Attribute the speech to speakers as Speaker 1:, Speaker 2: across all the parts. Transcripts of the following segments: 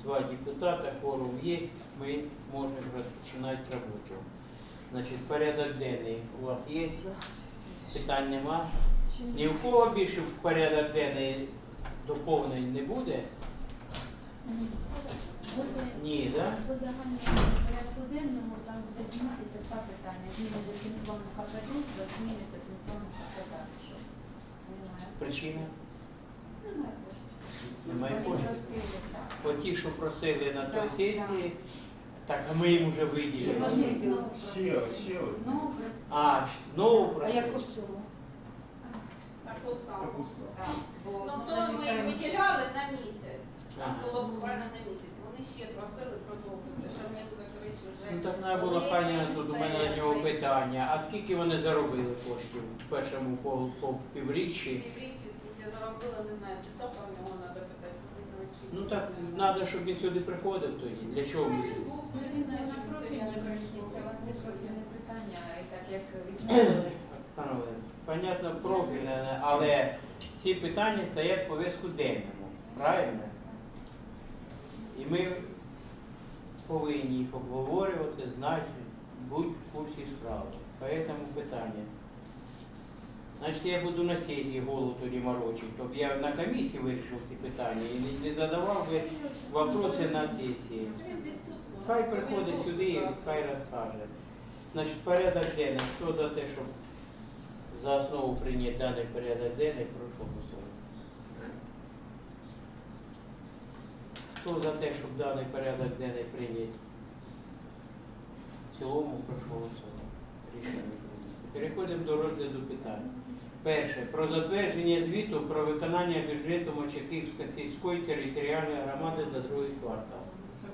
Speaker 1: 2 депутата, кворум є, ми можемо розпочинати роботу. Значить, порядок денний у вас є? Питань нема? Ні у кого більше в порядок денний доповнень не буде? Ні, так?
Speaker 2: По загальному порядку денному там буде зніматися 2 питання. Зміни до фінплану КПД, зміни до фінплану КПЗ. Що немає?
Speaker 1: Причина?
Speaker 2: Немає коштів.
Speaker 1: Немає
Speaker 2: Вони
Speaker 1: коштів.
Speaker 2: просили, так.
Speaker 1: По ті, що просили на той
Speaker 2: Так,
Speaker 1: сесії, так, а ми їм вже виділили.
Speaker 2: Вони знову
Speaker 3: Ще
Speaker 2: просили.
Speaker 3: раз.
Speaker 2: Знову просили.
Speaker 1: А, знову
Speaker 4: А
Speaker 1: просили?
Speaker 4: яку суму?
Speaker 5: Таку саму.
Speaker 3: Таку саму.
Speaker 2: Так, бо
Speaker 5: Ну
Speaker 2: знову
Speaker 5: то
Speaker 2: на
Speaker 5: ми
Speaker 2: півтора
Speaker 5: виділяли на місяць. Там
Speaker 1: Ага.
Speaker 5: було буквально на місяць. Вони ще просили продовжити, щоб не закрити вже.
Speaker 1: Ну так треба було, пані, тут у мене до нього питання. А скільки вони заробили коштів в першому по півріччі?
Speaker 5: Півріччя скільки заробили, не знаю, це топа в нього треба питати.
Speaker 1: Ну так, треба, щоб він сюди приходив тоді. Для чого
Speaker 5: Ну,
Speaker 1: ми?
Speaker 5: він був,
Speaker 2: Ну,
Speaker 5: не
Speaker 2: він
Speaker 5: знаю,
Speaker 2: на
Speaker 5: чим це
Speaker 2: профільній
Speaker 5: я не
Speaker 2: комісії,
Speaker 5: прийшов.
Speaker 2: це у вас не профільне питання, і так як відмовили.
Speaker 1: Панове, понятно, профільне, але ці питання стоять в пов'язку денному. Правильно? І ми повинні їх обговорювати, знати, бути в курсі справи. Поэтому питання. Значить, я буду на сесії голову тоді морочити, щоб я на комісії вирішив ці питання і не задавав би вопроси на сесії.
Speaker 5: Він десь тут. ну,
Speaker 1: Хай
Speaker 5: він
Speaker 1: приходить
Speaker 5: був
Speaker 1: сюди і
Speaker 5: тут,
Speaker 1: хай розкаже. Значить, порядок денний. Хто за те, щоб за основу прийняти даний порядок денний, прошу голосувати. Хто за те, щоб даний порядок денний прийняти в цілому, прошу голосувати. Рішення прийнято. Переходимо до розгляду питань. Перше. Про затвердження звіту про виконання бюджету Мочаківської сільської територіальної громади за другий квартал.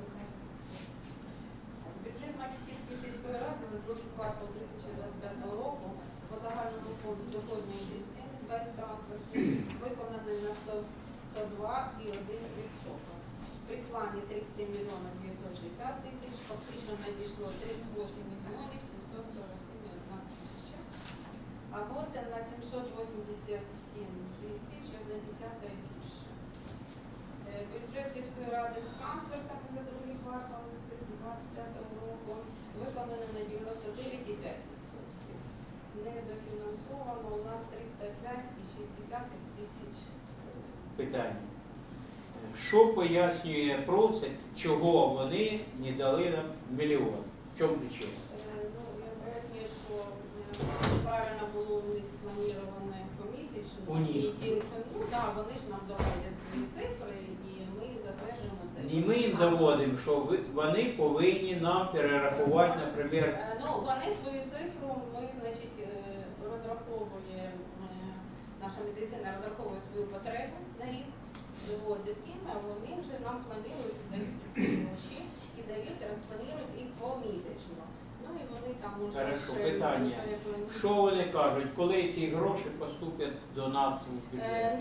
Speaker 5: Бюджет Мачківської сільської ради за другий квартал 2025 року по загальному фонду доходної частини без трансфертів виконаний на 102,1%. При плані 37 мільйонів 960 тисяч, фактично надійшло 38 мільйонів 747,1 тисяча. Або це на 787 тисяч, 1,1 більше. Бюджет сільської ради з трансфертами за другий квартал 2025 року виконано на 99,5%. Недофінансовано у нас 305,6 тисяч.
Speaker 1: Питання. Що пояснює просить, чого вони не дали нам мільйон? В чому причина?
Speaker 5: Ну, я пояснюю, що правильно було у них спланироване помісячно.
Speaker 1: У них.
Speaker 5: І ті, ну так, вони ж нам доводять свої цифри, і ми їх затверджуємо це.
Speaker 1: І ми їм доводимо, що вони повинні нам перерахувати, наприклад,
Speaker 5: Ну, вони свою цифру, ми, значить, розраховує, наша медицина розраховує свою потребу на рік, виводить їм, а вони вже нам планують, дають ці гроші і дають, розпланують їх помісячно. Ну і вони там уже
Speaker 1: Хорошо,
Speaker 5: ще
Speaker 1: питання.
Speaker 5: перепланують.
Speaker 1: Що вони кажуть, коли ці гроші поступлять до нас у бюджет?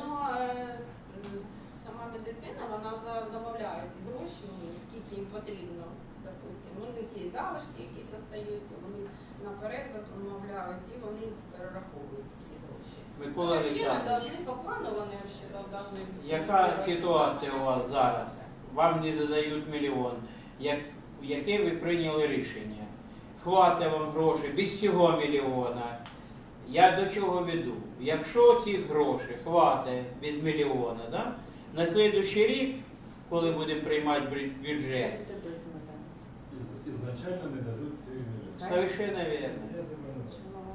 Speaker 5: Сама медицина, вона замовляє ці гроші, скільки їм потрібно, допустимо. У них є залишки, якісь остаються, вони наперед замовляють і вони їх перераховують ці гроші.
Speaker 1: Микола Олександрович,
Speaker 5: По плану вони повинні.
Speaker 1: яка ситуація у вас зараз? Вам не додають мільйон. Яке ви прийняли рішення? Хватить вам грошей без цього мільйона. Я до чого веду? Якщо ці гроші хватить без мільйона, да? На наступний рік, коли будемо приймати бюджет,
Speaker 3: Ізначально не дадуть ці мільйони.
Speaker 1: совершенно верно.
Speaker 3: Я тебе не знаю.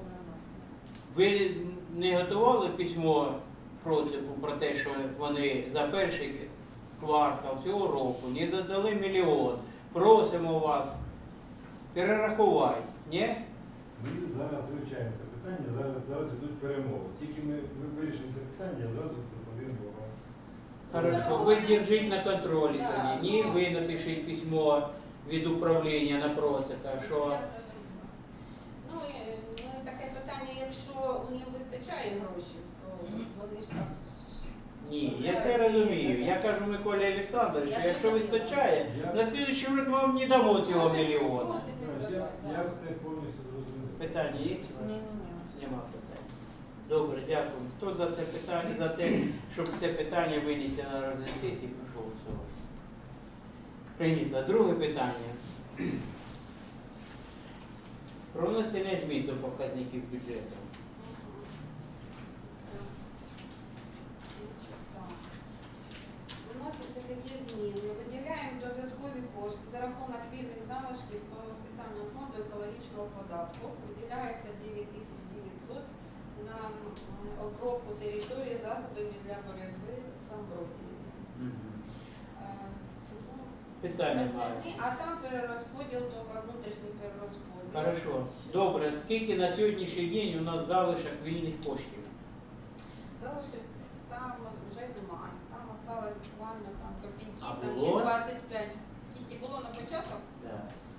Speaker 1: Ви не готували письмо протипу про те, що вони за перший квартал цього року не додали мільйон. Просимо вас перерахувати, ні?
Speaker 3: Ми зараз вивчаємо це питання, зараз йдуть перемови. Тільки ми вирішимо це питання, я зразу доповім вам.
Speaker 1: Хорошо, ви держіть на контролі тоді. Ні, ви напишіть письмо від управління на просика, що
Speaker 5: Ну, і таке питання, якщо у них вистачає грошей, то вони ж так.
Speaker 1: ні, я це розумію. Я кажу Миколі Олександровичу, якщо вистачає, на наступний рік ми вам не дамо цього мільйона.
Speaker 3: Я все повністю зрозумів.
Speaker 1: Питання є? у вас? Нема питань. Добре, дякую. Хто за це питання, за те, щоб це питання винести на розгляд сесії, прошу голосувати. Прийнято. Друге питання. Про внесення змін до показників бюджету.
Speaker 5: Вносяться такі зміни. Виділяємо додаткові кошти за рахунок вільних залишків по спеціальному фонду екологічного податку. Виділяється 9900 на обробку території засобами для боротьби з амброзією.
Speaker 1: Питання маю.
Speaker 5: А там перерозподіл, тільки внутрішній перерозподіл.
Speaker 1: Хорошо. Добре. Скільки на сьогоднішній день у нас залишок вільних коштів?
Speaker 5: Залишок там вже немає. Там осталось буквально там копійки,
Speaker 1: А
Speaker 5: там
Speaker 1: було?
Speaker 5: чи 25. Скільки було на початку?
Speaker 1: Да.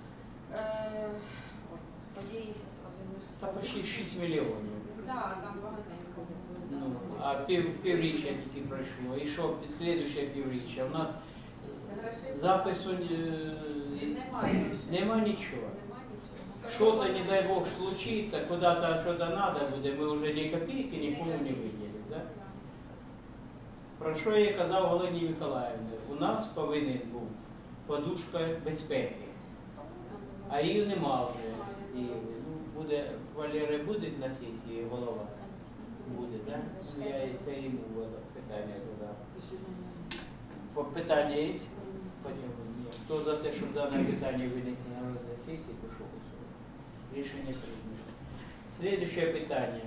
Speaker 5: Події
Speaker 1: Та почти 6 мільйонів.
Speaker 5: Так, там багатенько.
Speaker 1: Ну, а півріччя тільки пройшло. І що під слідуще півріччя? У нас запису
Speaker 5: Немає грошей.
Speaker 1: нема нічого.
Speaker 5: Нема нічого.
Speaker 1: Что-то, не дай бог, случится, куда-то что-то надо буде, ми вже ні копійки нікому не виділимо. Да? Про що я казав Галині Миколаївні? У нас повинен був подушка безпеки, а її нема вже. І, ну, буде, Валери буде на сесії голова? Буде, так? Да? Я це йому питання задав. Питання є? Потім ні. Хто за те, щоб дане питання винести на розгляд сесії, прошу голосувати. Рішення прийнято. Слідуюче питання.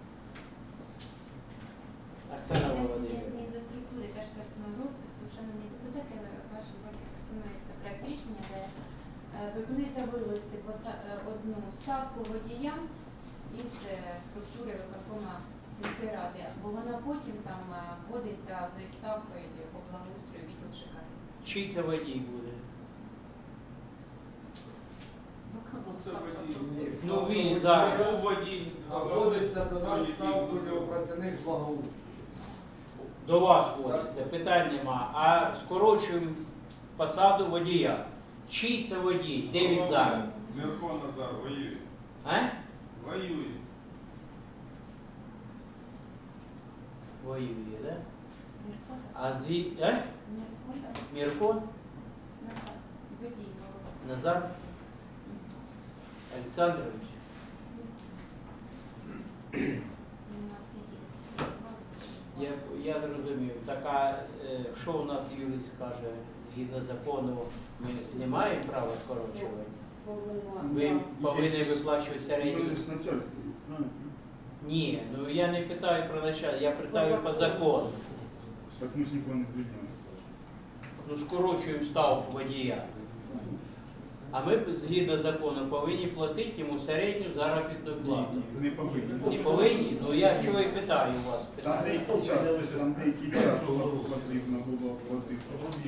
Speaker 1: Оксана
Speaker 2: Внесення
Speaker 1: Володимирівна.
Speaker 2: змін до структури та штатного розпису, шановні депутати, вашій увазі пропонується проект рішення, де пропонується вивести одну ставку водіям із структури виконкома сільської ради, бо вона потім там вводиться одною ставкою по благоустрою відділ ЖКХ.
Speaker 1: Чий це водій буде? Ну, він, так.
Speaker 4: Це водій.
Speaker 6: Вводиться до нас ставкою працівник благоустрою.
Speaker 1: До вас вводиться, питань нема. А скорочуємо посаду водія. Чий це водій? Де він зараз?
Speaker 4: Мірко Назар воює.
Speaker 1: А?
Speaker 4: Воює.
Speaker 1: Воює, так? Да?
Speaker 2: Мірко,
Speaker 1: А
Speaker 2: Мірко, так.
Speaker 1: Мірко?
Speaker 2: Водій,
Speaker 1: Назар Олександрович. Я зрозумів. Так, а що у нас юрист скаже, згідно закону, ми не маємо права скорочувати? Ви повинні виплачувати середню.
Speaker 6: начальство є, правильно?
Speaker 1: Ні, ну я не питаю про начальство, я питаю по закону.
Speaker 6: Так ми ж нікого не звільняємо.
Speaker 1: Ну скорочуємо ставку водія. А ми згідно закону повинні платити йому середню заробітну плату.
Speaker 6: Ні, це не повинні.
Speaker 1: Не повинні? Ну я чого і питаю у вас.
Speaker 6: Там деякий час, потрібно було платити.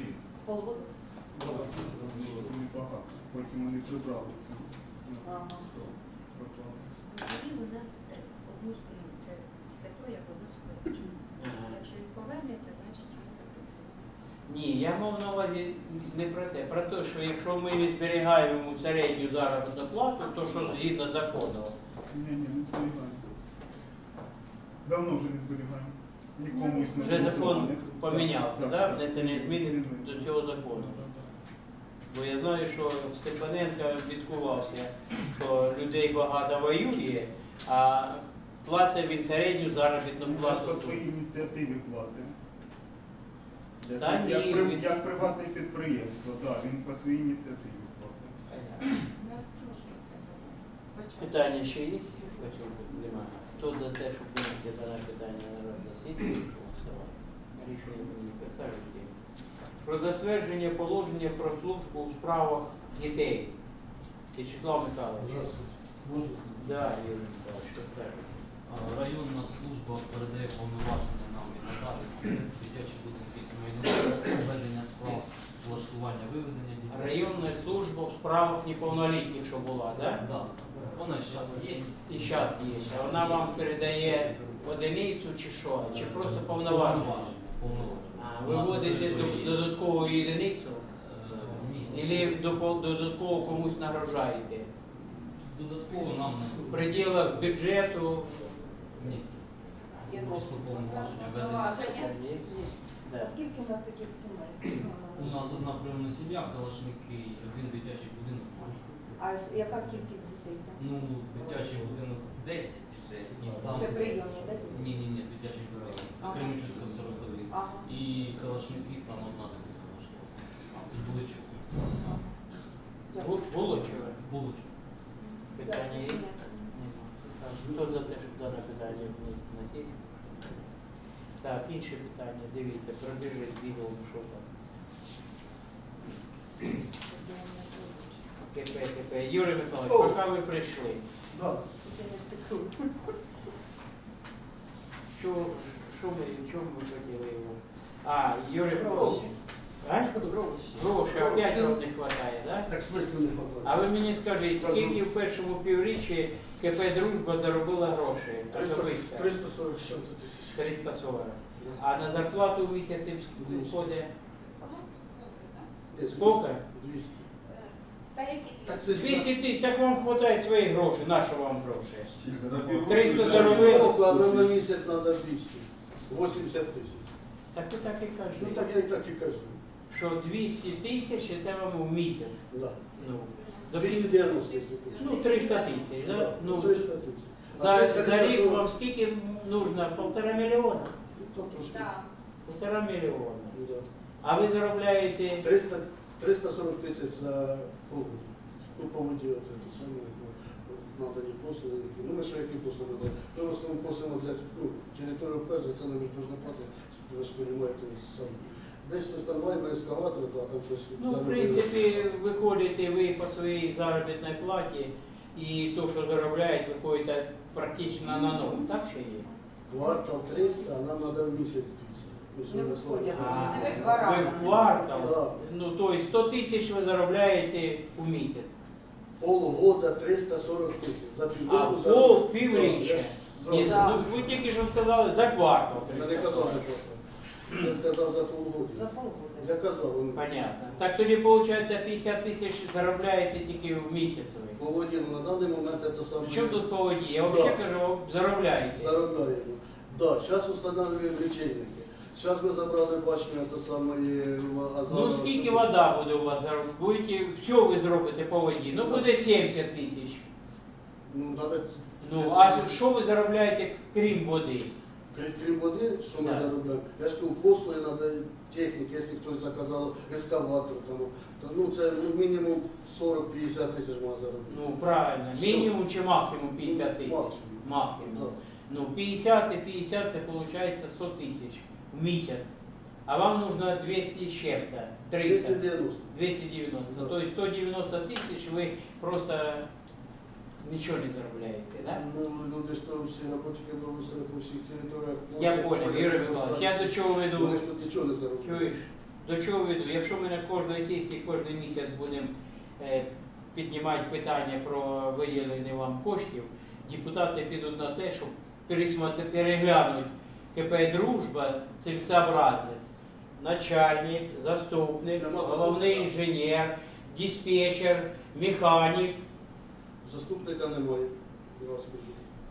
Speaker 6: Небагато. Потім вони прибрали це. Пропали.
Speaker 2: Водій у нас три. Одну це після того, як одну скорочуємо. Якщо він повернеться, значить його закрили.
Speaker 1: Ні, я мав на увазі не про те. Про те, що якщо ми не зберігаємо йому середню заробітну плату, то що згідно закону.
Speaker 6: Ні, не зберігаємо. Давно вже не зберігаємо. Нікому із
Speaker 1: Вже закон помінявся,
Speaker 6: Так,
Speaker 1: да?
Speaker 6: так.
Speaker 1: Внесення змін до цього закону. Бо я знаю, що Степаненко відкувався, що людей багато воює, а платить він середню заробітну
Speaker 6: Ми ж
Speaker 1: плату.
Speaker 6: по своїй ініціативі платимо.
Speaker 1: Та ні, він-
Speaker 6: Як приватне підприємство, так, він по своїй ініціативі платить.
Speaker 2: У нас трошки це було. Спочатку.
Speaker 1: Питання ще є? Немає. Хто за те, щоб винести дане питання на розгляд сесії, прошу голосувати. Рішення не присаджуйте. Про затвердження положення про службу у справах дітей. Вячеслав Михайлович. Да, Юрій Михайлович, що скажете?
Speaker 7: Районна служба передає повноваження нам і надати це дитячі будинки сімейного ведення справ, влаштування виведення дітей.
Speaker 1: Районна служба в справах неповнолітніх, що була, да?
Speaker 7: Да, вона зараз є.
Speaker 1: І зараз є. А вона вам передає одиницю чи що? Чи просто повноваження?
Speaker 7: Повноваження.
Speaker 1: А, ви вводите додаткову одиницю?
Speaker 7: Ні.
Speaker 1: Или додатково комусь нагрожаєте?
Speaker 7: Додатково нам
Speaker 1: В пределах бюджету.
Speaker 7: ні. Просто повноваження ведення.
Speaker 5: Повноваження.
Speaker 1: Да.
Speaker 8: А скільки у нас таких сімей?
Speaker 7: У нас одна прийомна сім'я, Калашники, один дитячий будинок.
Speaker 8: А яка кількість дітей? там?
Speaker 7: Ну, дитячий будинок 10 дітей. І там...
Speaker 8: Це прийомні, так?
Speaker 7: Ні, дитячий будинок. Це
Speaker 8: Ага.
Speaker 7: Кременчуцька 41.
Speaker 8: Ага.
Speaker 7: І Калашники там одна дитина влаштована. Це Буличук.
Speaker 1: Було чого?
Speaker 7: Буличук.
Speaker 1: Питання є? Нема. Так, хто за те, щоб дане питання на сесію? Так, інше питання, дивіться, пробіжить відео, що там. КП. Юрій Миколаївич, поки ви прийшли,
Speaker 6: Да.
Speaker 1: чому ми хотіли його? А, Юрій Миколаївич.
Speaker 8: Гроші.
Speaker 1: А?
Speaker 8: Гроші.
Speaker 1: Гроші, опять вам не вистачає, так?
Speaker 9: Так смислу не хватає.
Speaker 1: А ви мені скажіть, скільки в першому півріччі КП «Дружба» заробила грошей?
Speaker 9: 340 з чим-то тисяч.
Speaker 1: 340. А на зарплату в місяці входить
Speaker 9: Ні,
Speaker 1: скільки?
Speaker 9: 200.
Speaker 5: Та які
Speaker 9: Так це
Speaker 1: 200 тисяч, так вам вистачає своїх грошей. На що вам гроші?
Speaker 4: За півроку
Speaker 1: 300
Speaker 4: за
Speaker 1: заробили.
Speaker 4: півроку.
Speaker 9: А нам на місяць треба 200. 80 тисяч.
Speaker 1: Так ви так і
Speaker 9: Ну
Speaker 1: кажете,
Speaker 9: так я так і кажу.
Speaker 1: що 200 тисяч це вам у місяць.
Speaker 9: Да.
Speaker 1: Ну, до
Speaker 9: 290, якщо хочеш.
Speaker 1: ну 300 тисяч,
Speaker 9: Да,
Speaker 1: да? Ну,
Speaker 9: 300 тисяч. А
Speaker 1: за
Speaker 9: 340
Speaker 1: рік вам скільки нужно? 1,5 мільйона?
Speaker 9: то трошки.
Speaker 5: Так.
Speaker 1: 1,5 мільйона.
Speaker 9: Ну, да.
Speaker 1: А ви заробляєте
Speaker 9: 340 тисяч за полгода. Ну, по воді, от це саме, надані послуги. Ну, ми що які послуги надаємо? Ми в основному просимо для, територію перш, це нам ніхто ж не платить, ви ж розумієте, сам. Десь хтось там маємо ескаватор, да, там щось.
Speaker 1: Ну, в
Speaker 9: заробили.
Speaker 1: принципі, виходите ви по своїй заробітній платі, і то, що заробляють, виходите практично на ноль, так чи є?
Speaker 9: Квартал 300, а нам треба в місяць 200. Ну,
Speaker 8: Не
Speaker 9: сьогодні слово.
Speaker 8: виходять.
Speaker 1: А,
Speaker 8: Це два рази.
Speaker 1: ви в квартал,
Speaker 9: Да.
Speaker 1: ну, то есть 100 тисяч ви заробляєте у місяць.
Speaker 9: Полгода 340 тисяч. За
Speaker 1: А
Speaker 9: півроку
Speaker 1: пол півріччя. Ні,
Speaker 8: Да.
Speaker 1: ну, ви тільки що сказали за квартал.
Speaker 9: Я не казав за квартал. Я сказав за полгода.
Speaker 8: За полгода.
Speaker 9: Я казав, вони
Speaker 1: Понятно. Так тоді, виходить, 50 тисяч заробляєте тільки в місяць ви.
Speaker 9: по воді, ну, на даний момент це саме.
Speaker 1: Що тут по воді? Я
Speaker 9: Да.
Speaker 1: взагалі кажу, заробляєте.
Speaker 9: Заробляємо. Да, зараз встановлюємо лічильники. Зараз ми забрали башню, це саме
Speaker 1: Ну скільки вода буде у вас? Будете, все ви зробите по воді. Ну буде 70 тисяч.
Speaker 9: Ну, надо...
Speaker 1: Ну а що ви заробляєте крім води?
Speaker 9: Крім води, що ми
Speaker 1: Да.
Speaker 9: заробляємо? Я ж кажу, послуги треба техніки, якщо хтось заказав ескаватор, там, то, ну це мінімум 40-50 тисяч можна заробити.
Speaker 1: Ну правильно,
Speaker 9: Все.
Speaker 1: мінімум чи максимум 50 тисяч?
Speaker 9: Максимум.
Speaker 1: Максимум.
Speaker 9: Да.
Speaker 1: Ну 50 і 50 це виходить 100 тисяч в місяць. А вам нужно 200 з чим-то, 300.
Speaker 9: 290.
Speaker 1: 290.
Speaker 9: Да.
Speaker 1: То есть 190 тисяч ви просто нічого не заробляєте, да?
Speaker 9: Ну, люди ж то всі роботники благоустрою по всіх територіях.
Speaker 1: Я
Speaker 9: просять,
Speaker 1: понял,
Speaker 9: вони
Speaker 1: Юрій Миколаївич, я до чого веду?
Speaker 9: Вони ж тут нічого не заробляють.
Speaker 1: Чуєш? До чого веду? Якщо ми на кожної сесії, кожен місяць будемо піднімати питання про виділення вам коштів, депутати підуть на те, щоб переглянути КП «Дружба» цілесообразність. Начальник, заступник,
Speaker 9: Нема
Speaker 1: головний
Speaker 9: заступника.
Speaker 1: інженер, диспетчер, механік.
Speaker 9: Заступника немає, я вам скажу.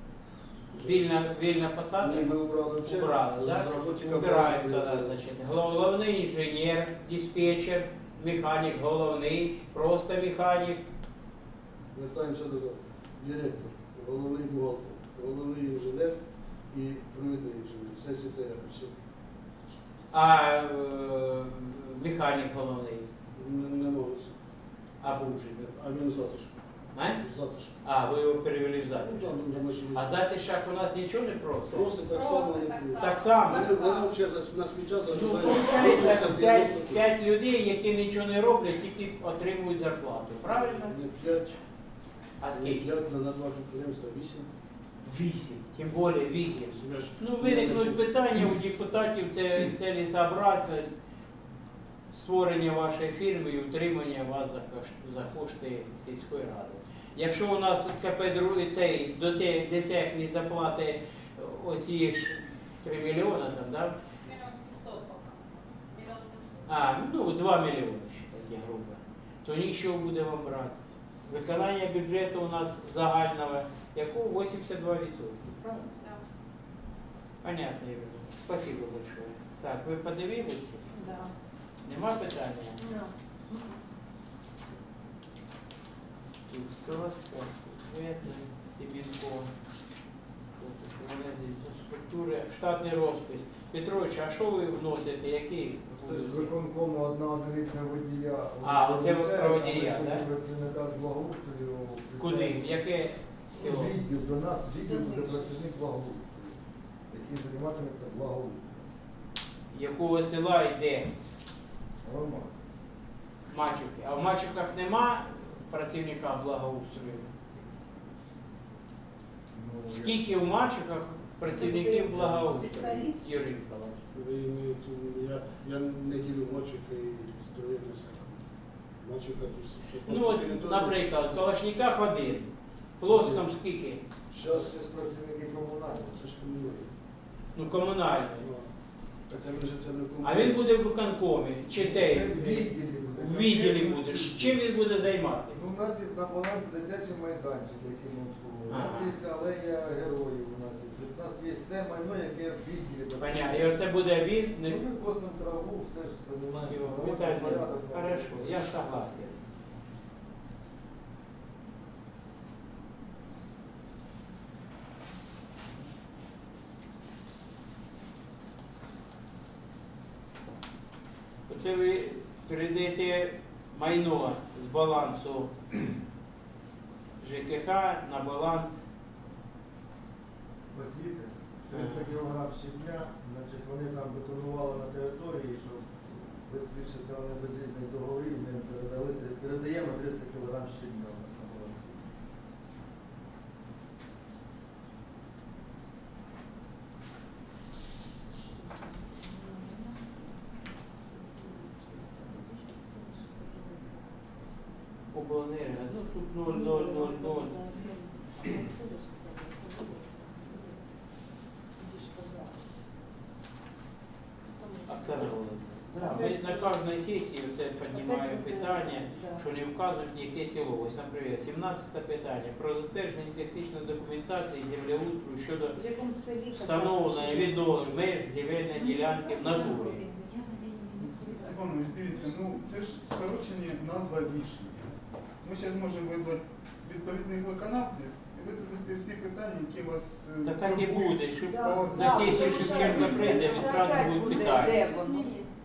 Speaker 1: Вільна посада?
Speaker 9: Ні, ми убрали взагалі.
Speaker 1: Убрали, да?
Speaker 9: Розработчика
Speaker 1: Убираємо
Speaker 9: благоустрою
Speaker 1: тоді,
Speaker 9: взяли.
Speaker 1: значить. Головний інженер, диспетчер, механік, головний, просто механік.
Speaker 9: Вертаємося назад. Директор, головний бухгалтер, головний інженер і провідний інженер. Все СТР, все.
Speaker 1: А механік головний,
Speaker 9: Не можу.
Speaker 1: а був же.
Speaker 9: А він затишку.
Speaker 1: А?
Speaker 9: Затишку.
Speaker 1: А, ви його перевели в
Speaker 9: Ну,
Speaker 1: Затишок.
Speaker 9: да, ну, ми ж
Speaker 1: А Затишак у нас нічого не просить?
Speaker 9: просить так само.
Speaker 5: Просить
Speaker 9: як
Speaker 5: так
Speaker 9: і-
Speaker 5: само.
Speaker 1: Так само.
Speaker 9: Вони взагалі на сміття
Speaker 1: Ну,
Speaker 9: заробляють
Speaker 1: виходить, 5 людей, які нічого не роблять, тільки отримують зарплату. Правильно?
Speaker 9: Не 5,
Speaker 1: А
Speaker 9: не
Speaker 1: скільки?
Speaker 9: 5, на 2 підприємства 8.
Speaker 1: 8. Тим більше 8. Ну, виникнуть питання у депутатів, це цілесообразність створення вашої фірми і утримання вас за кошти сільської ради. Якщо у нас КП цей ДТЕК не заплатить оці ж 3 мільйони, там, да?
Speaker 5: 1 700 поки. 1 700.
Speaker 1: А, ну 2 мільйони, такі грубо, то нічого буде вам брати. Виконання бюджету у нас загального, якого 82%, правильно?
Speaker 5: Да.
Speaker 1: Понятно, Юрий. Спасибо большое. Так, ви подивилися?
Speaker 8: Да.
Speaker 1: Нема питання? Тут Скоростя, Светлий, Сибінко, структури, штатний розпис. Петрович, а що ви вносите? Який?
Speaker 10: Це ж з виконкому одна одиниця водія.
Speaker 1: А, оце ви про водія,
Speaker 10: а
Speaker 1: да?
Speaker 10: працівника з благоустрою.
Speaker 1: Куди? В яке село?
Speaker 10: Відділ, до нас відділ буде працівник благоустрою, який займатиметься благоустрою.
Speaker 1: Якого села йде?
Speaker 10: Нормально.
Speaker 1: Мачівки. А в Мачівках нема працівника благоустрою?
Speaker 10: Ну,
Speaker 1: Скільки в Мачівках працівників благоустрою?
Speaker 8: Спеціаліст?
Speaker 1: Юрій Миколаївич.
Speaker 9: Ви імієте, я не ділю Мачівка і здоров'яне село. Мачівка
Speaker 1: Ну, от, наприклад, в Калашниках один. В Плоском скільки?
Speaker 9: Зараз
Speaker 10: Це ж працівники комунальні.
Speaker 9: це ж комунальне.
Speaker 1: Ну, комунальний.
Speaker 9: Ну, так а він же це не
Speaker 1: А
Speaker 9: комунальне.
Speaker 1: він буде в виконкомі, чи цей?
Speaker 10: Це в відділі буде.
Speaker 1: В відділі буде. Чим він буде займати?
Speaker 10: Ну, у нас є на балансі дитячий майданчик, який ми обслуговуємо. У нас
Speaker 1: Ага.
Speaker 10: є алея героїв. У нас є те майно, яке в відділі.
Speaker 1: Понятно. І оце буде він.
Speaker 10: Ну, ми косимо траву, все ж це немає.
Speaker 1: Питання. Хорошо, я согласен. Оце ви передаєте майно з балансу ЖКХ на баланс.
Speaker 10: Освіти, 300 кг щебня, значить вони там бетонували на території, щоб швидше це вони без різних договорів, ми їм передаємо 300 кг щебня у нас на балансі.
Speaker 1: Обленерго. Ну тут 0,000. Оксана Володимирівна, да, ми на кожній сесії це піднімаємо питання, що не вказують яке село. Ось, наприклад, 17 питання про затвердження технічної документації землеустрою щодо
Speaker 8: В якому селі така
Speaker 1: встановлення
Speaker 8: чи-
Speaker 1: відновлення меж земельної ділянки в натурі.
Speaker 2: Я за день не
Speaker 6: Степанович, дивіться, ну це ж скорочені назва рішення. Ми зараз можемо визвати відповідних виконавців і висвітлити всі питання, які вас
Speaker 1: Та так і
Speaker 6: турбують.
Speaker 1: буде, щоб
Speaker 8: Да,
Speaker 1: на
Speaker 8: да,
Speaker 1: сесії,
Speaker 8: тому
Speaker 1: що
Speaker 8: що
Speaker 1: Кирка прийде,
Speaker 8: це
Speaker 1: відразу
Speaker 8: опять
Speaker 1: будуть
Speaker 8: буде,
Speaker 1: питання.
Speaker 8: де воно?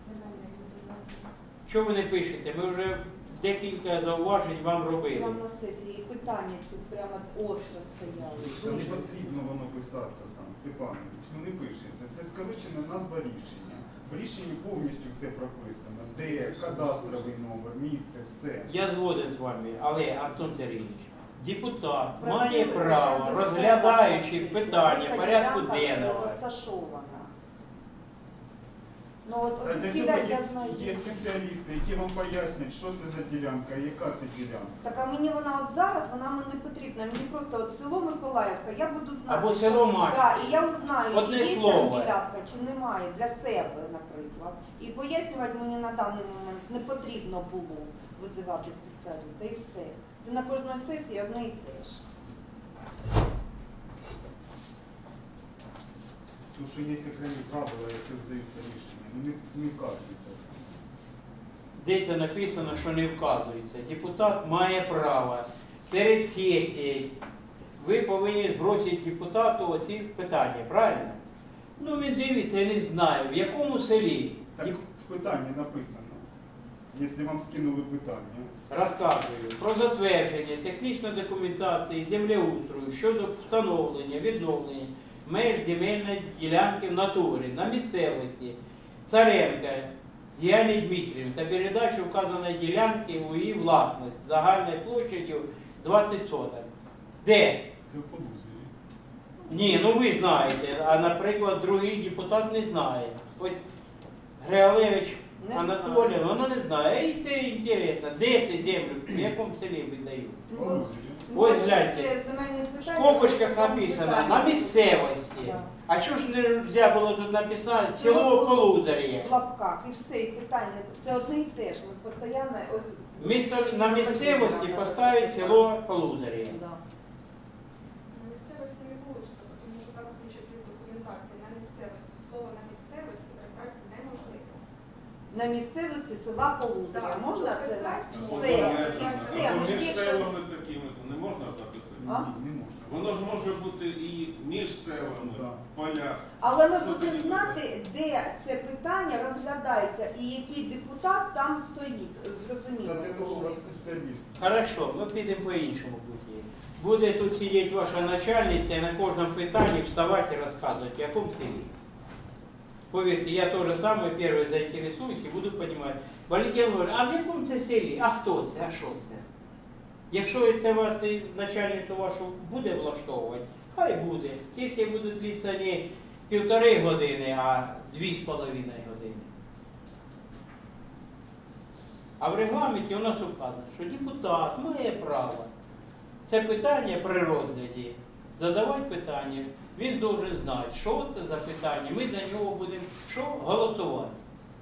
Speaker 1: Що ви не пишете? Ми вже декілька зауважень вам робили.
Speaker 8: Вам на сесії і питання ці прямо остро стояли.
Speaker 6: Та не потрібно воно писатися там, Степанович, ну не пишеться. Це скорочена назва рішення. В рішенні повністю все прописано. Де, кадастровий номер, місце, все.
Speaker 1: Я згоден з вами, але Антон Сергійович, депутат
Speaker 8: Просили
Speaker 1: має право,
Speaker 8: до себе
Speaker 1: розглядаючи
Speaker 8: на
Speaker 1: питання
Speaker 8: сесії,
Speaker 1: порядку
Speaker 8: яка ділянка
Speaker 1: денного.
Speaker 8: розташована. Ну от
Speaker 6: Та для
Speaker 8: от
Speaker 6: цього
Speaker 8: я знаю.
Speaker 6: є спеціалісти, які вам пояснять, що це за ділянка, яка це ділянка.
Speaker 8: Так а мені вона от зараз, вона мені не потрібна. Мені просто от село Миколаївка, я буду знати.
Speaker 1: Або село Мачівка.
Speaker 8: Так, і я узнаю,
Speaker 1: Одне
Speaker 8: чи є
Speaker 1: слово.
Speaker 8: там ділянка, чи немає для себе, наприклад. І пояснювати мені на даний момент не потрібно було визивати спеціаліста, і все. Це на кожній сесії одне і те ж.
Speaker 6: Тому що є окремі правила, як це видаються рішення. Ну не вказується.
Speaker 1: Де це написано, що не вказується. Депутат має право перед сесією. Ви повинні збросити депутату оці питання, правильно? Ну він дивиться, я не знаю, в якому селі.
Speaker 6: Так в питанні написано, якщо вам скинули питання.
Speaker 1: Розказую про затвердження технічної документації землеустрою щодо встановлення, відновлення меж земельної ділянки в натурі на місцевості Царенка Діані Дмитрівні та передачу вказаної ділянки у її власність загальною площадю 20 соток. Де?
Speaker 6: Це в Полузі.
Speaker 1: Ні, ну ви знаєте, а наприклад, другий депутат не знає. Ось Греалевич
Speaker 8: Не
Speaker 1: Анатолій,
Speaker 8: знаю.
Speaker 1: воно не знає. І це інтересно, де це землю, в якому селі видають.
Speaker 6: В Полузі.
Speaker 1: Ось гляньте.
Speaker 8: Це земельні
Speaker 1: В
Speaker 8: питання.
Speaker 1: скобочках написано на місцевості.
Speaker 8: Да.
Speaker 1: А що ж не можна було тут написати
Speaker 8: Село
Speaker 1: село Полузар'я?
Speaker 8: В лапках, і все, і питання. Це одне і те ж. Ми постійно ось.
Speaker 1: На місцевості поставить село Полузар'я.
Speaker 8: Да.
Speaker 5: На місцевості не вийде, тому що так звучить від документації. На місцевості. Слово на місцевості прибрати не
Speaker 8: на місцевості села Полузря.
Speaker 5: Так,
Speaker 8: Можна це?
Speaker 5: написати
Speaker 8: Все. І все. Ми ж
Speaker 4: Між
Speaker 8: більше...
Speaker 4: селами такими, то не можна написати.
Speaker 8: А?
Speaker 6: Не можна.
Speaker 4: Воно ж може бути і між селами,
Speaker 6: Да.
Speaker 4: в полях.
Speaker 8: Але ми
Speaker 4: Що
Speaker 8: будемо
Speaker 4: тоді
Speaker 8: знати, де це питання розглядається і який депутат там стоїть. Зрозуміло.
Speaker 6: Та для того у вас спеціаліст.
Speaker 1: Хорошо, ми підемо по іншому путі. Буде тут сидіти ваша начальниця і на кожному питанні вставати і розказувати, в якому селі. Повірте, я теж саме перший заінтересуюсь і буду розуміти. Валентин говорить, а в якому це селі? А хто це? А що це? Якщо це вас і начальницю вашу буде влаштовувати, хай буде. Сесії будуть длитися не 1,5 години, а 2,5 години. А в регламенті у нас указано, що депутат має право це питання при розгляді задавати питання. Він повинен знати, що це за питання. Ми за нього будемо що? Голосувати.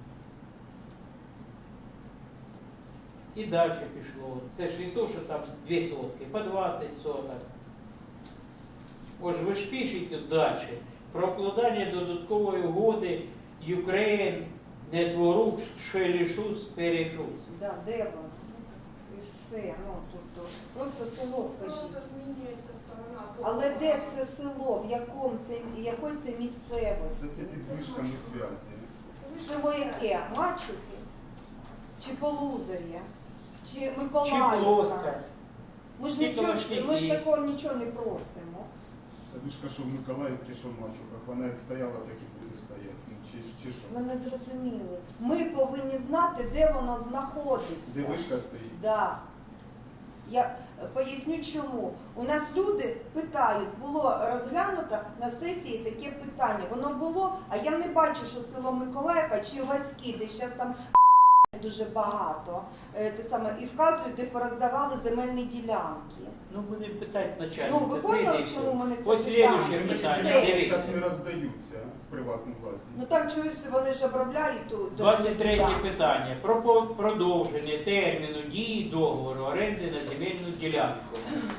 Speaker 1: І далі пішло. Це ж не то, що там 2 сотки, по 20 соток. Ось ви ж пишете далі про укладання додаткової угоди Ukraine Network Шелішус Перешус.
Speaker 8: Да, де воно? І все. Ну, тобто, просто село вкажіть.
Speaker 5: Просто змінюється сторона.
Speaker 8: Але де це село? В якому це, якої це місцевості?
Speaker 6: Це під зв'язками зв'язі.
Speaker 8: Село яке? Мачухи? Чи Полузар'я? Чи
Speaker 1: Чи
Speaker 8: Миколаївка?
Speaker 1: плоска.
Speaker 8: Ми ж
Speaker 1: Чи
Speaker 8: нічого,
Speaker 1: Калашники.
Speaker 8: ми ж такого нічого не просимо.
Speaker 6: Та ви ж кажу, в Миколаївці, що в Мачуках, вона як стояла, так і буде стояти. Ну, чи що?
Speaker 8: Ми не зрозуміли. Ми повинні знати, де воно знаходиться.
Speaker 6: Де вишка стоїть?
Speaker 8: Да. Я поясню чому. У нас люди питають, було розглянуто на сесії таке питання. Воно було, а я не бачу, що село Миколаївка чи Васьки, де зараз там дуже багато. Те саме, і вказують, де пороздавали земельні ділянки.
Speaker 1: Ну, будемо питати начальницю.
Speaker 8: Ну, ви поняли, чому мене це
Speaker 1: Ось
Speaker 8: питання?
Speaker 1: слідуще
Speaker 8: І
Speaker 1: питання.
Speaker 8: все.
Speaker 6: Вони
Speaker 1: Дивіться.
Speaker 6: зараз не роздаються в приватну власність.
Speaker 8: Ну там чогось вони ж обробляють ту земельну
Speaker 1: 23
Speaker 8: ділянку.
Speaker 1: питання. Про продовження терміну дії договору оренди на земельну ділянку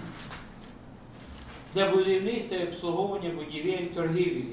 Speaker 1: для будівництва і обслуговування будівель торгівлі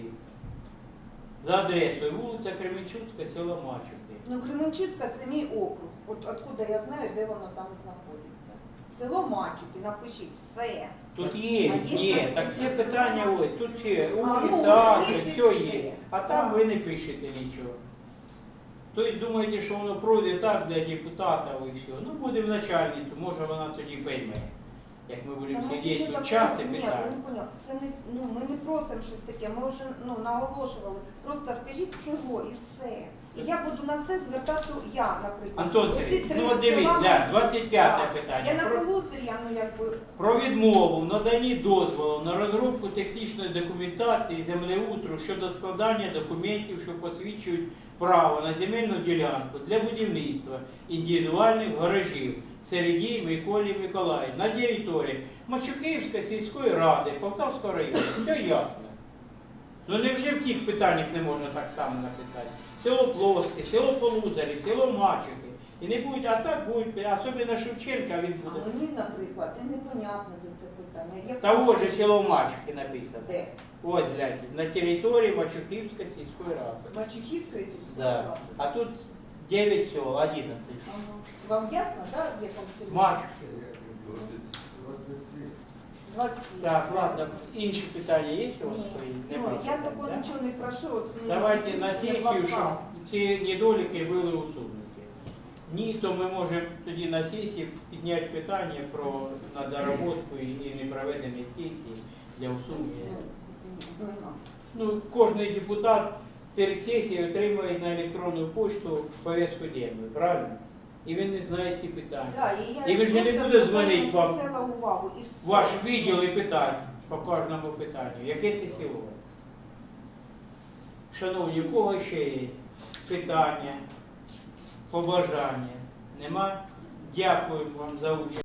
Speaker 1: за адресою вулиця Кременчуцька, село Мачухи.
Speaker 8: Ну, Кременчуцька це мій округ. От откуда я знаю, де воно там знаходиться. Село Мачухи, напишіть все.
Speaker 1: Тут є,
Speaker 8: А є
Speaker 1: є,
Speaker 8: там
Speaker 1: так
Speaker 8: все
Speaker 1: є питання, ось, тут є,
Speaker 8: ну,
Speaker 1: так,
Speaker 8: ось є
Speaker 1: все
Speaker 8: все.
Speaker 1: є. А там ви не пишете нічого. Тобто думаєте, що воно пройде так для депутата і все. Ну, будемо начальницю, може вона тоді пойме. Як ми будемо
Speaker 8: Та ми
Speaker 1: сидіти
Speaker 8: нічого
Speaker 1: тут
Speaker 8: такого-
Speaker 1: час і
Speaker 8: Ні, ви
Speaker 1: питати.
Speaker 8: не поняли. Це не, ну, ми не просимо щось таке, ми вже наголошували. Просто вкажіть село і все. І я буду на це звертати, я, наприклад.
Speaker 1: Антон
Speaker 8: Оці
Speaker 1: Сергійович,
Speaker 8: три
Speaker 1: ну от дивись,
Speaker 8: села
Speaker 1: для
Speaker 8: мої.
Speaker 1: 25
Speaker 8: Так.
Speaker 1: питання.
Speaker 8: Я на
Speaker 1: Про-
Speaker 8: Полузрі, ну якби.
Speaker 1: Про відмову в наданні дозволу на розробку технічної документації землеутру щодо складання документів, що посвідчують право на земельну ділянку для будівництва індивідуальних гаражів Середій Миколі Миколаївні на території Мачуківської сільської ради Полтавського району. Все ясно. Ну невже в тих питаннях не можна так само написати? Село Плоске, село Полузарі, село Мачухи. І не будуть, а так будуть, особливо Шевченка він
Speaker 8: А
Speaker 1: буде.
Speaker 8: мені, наприклад, і непонятно, де це питання. Я
Speaker 1: Того
Speaker 8: просто-
Speaker 1: же село Мачухи написано.
Speaker 8: Де?
Speaker 1: Ось, гляньте, на території Мачухівської сільської ради.
Speaker 8: Мачухівської сільської
Speaker 1: Да.
Speaker 8: ради.
Speaker 1: А тут 9 сел, 11.
Speaker 8: Ага. Вам ясно, так, в якому селі?
Speaker 1: Мачухи.
Speaker 9: 27.
Speaker 8: 27.
Speaker 1: Так, ладно, інші питання є у вас
Speaker 8: Ні.
Speaker 1: свої?
Speaker 8: Ну,
Speaker 1: Нема
Speaker 8: я
Speaker 1: питань,
Speaker 8: такого
Speaker 1: да?
Speaker 8: нічого не прошу. От, ну,
Speaker 1: Давайте
Speaker 8: не
Speaker 1: на сесію,
Speaker 8: блокнот.
Speaker 1: щоб ці недоліки були усунуті. Ні, то ми можемо тоді на сесії підняти питання про надоработку і непроведення сесії для усунення. Ну, кожен депутат перед сесією отримує на електронну пошту повістку денну, правильно? І він не знає ці питання.
Speaker 8: Да,
Speaker 1: І він же не
Speaker 8: просто
Speaker 1: буде
Speaker 8: звертаю
Speaker 1: дзвонити
Speaker 8: на ці
Speaker 1: вам,
Speaker 8: села увагу, і все.
Speaker 1: ваш відділ і питати по кожному питанню, яке це село. Шановні, у кого ще є питання, побажання? Нема? Дякую вам за участь.